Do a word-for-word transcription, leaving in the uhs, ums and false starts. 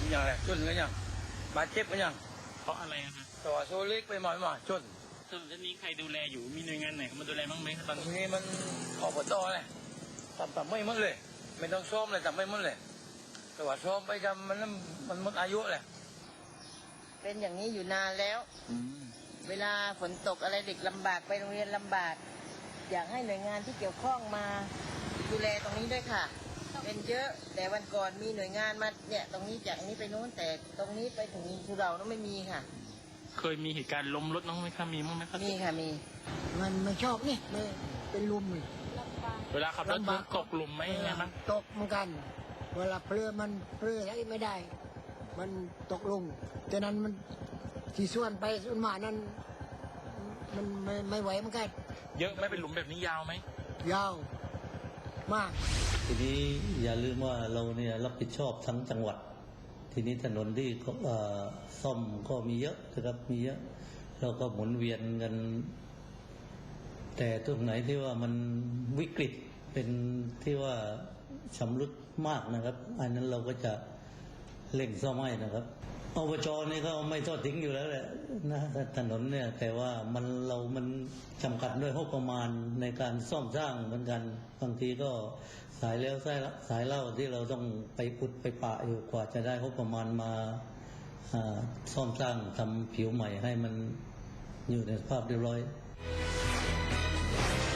อย่างไรชนกันอย่างบาดเจ็บกันอย่างเพราะอะไรอะคะต่อโซเล็กไปหมอยมาชนส่วนนี้ใครดูแลอยู่มีหน่วยงานไหนเข้ามาดูแลบ้างไหมตอนทีนี้มันขอบตเลยทำทำไม่หมดเลยไม่ต้องซ้อมเลยทำไม่หมดเลยแต่ว่าซ้อมไปทำมันมันหมดอายุเลยเป็นอย่างนี้อยู่นานแล้ว เวลาฝนตกอะไรเด็กลำบากไปโรงเรียนลำบากอยากให้หน่วยงานที่เกี่ยวข้องมาดูแลตรงนี้ด้วยค่ะเป็นเยอะแต่วันก่อนมีหน่วยงานมาเนี่ยตรงนี้จากนี้ไปโน้นแต่ตรงนี้ไปถึงสุเหร่านั้นไม่มีค่ะเคยมีเหตุการณ์ล้มรถน้องไหมคะมีมั้งไหมคะมีค่ะมีมันไม่ชอบนี่ไม่เป็นลุมเลยเวลาขับรถตกหลุมไหมไงมั้งตกเหมือนกันเวลาเพลือมันเพลืออะไรไม่ได้มันตกลงฉะนั้นมันที่ส่วนไปส่วนมานั้นมันไม่ไม่ไหวเหมือนกันเยอะไม่เป็นหลุมแบบนี้ยาวไหมยาวมากทีนี้อย่าลืมว่าเราเนี่ยรับผิดชอบทั้งจังหวัดทีนี้ถนนที่ซ่อมก็มีเยอะนะครับมีเยอะเราก็หมุนเวียนกันแต่ตรงไหนที่ว่ามันวิกฤตเป็นที่ว่าชำรุดมากนะครับอันนั้นเราก็จะเร่งซ่อมให้นะครับอบจนี่ก็ไม่ทอดทิ้งอยู่แล้วแหละนะถนนเนี่ยแต่ว่ามันเรามันจำกัดด้วยงบประมาณในการซ่อมสร้างเหมือนกันบางทีก็สายแล้วสายสายเล่าที่เราต้องไปอุดไปปะอยู่กว่าจะได้งบประมาณมาซ่อมสร้างทำผิวใหม่ให้มันอยู่ในสภาพเรียบร้อย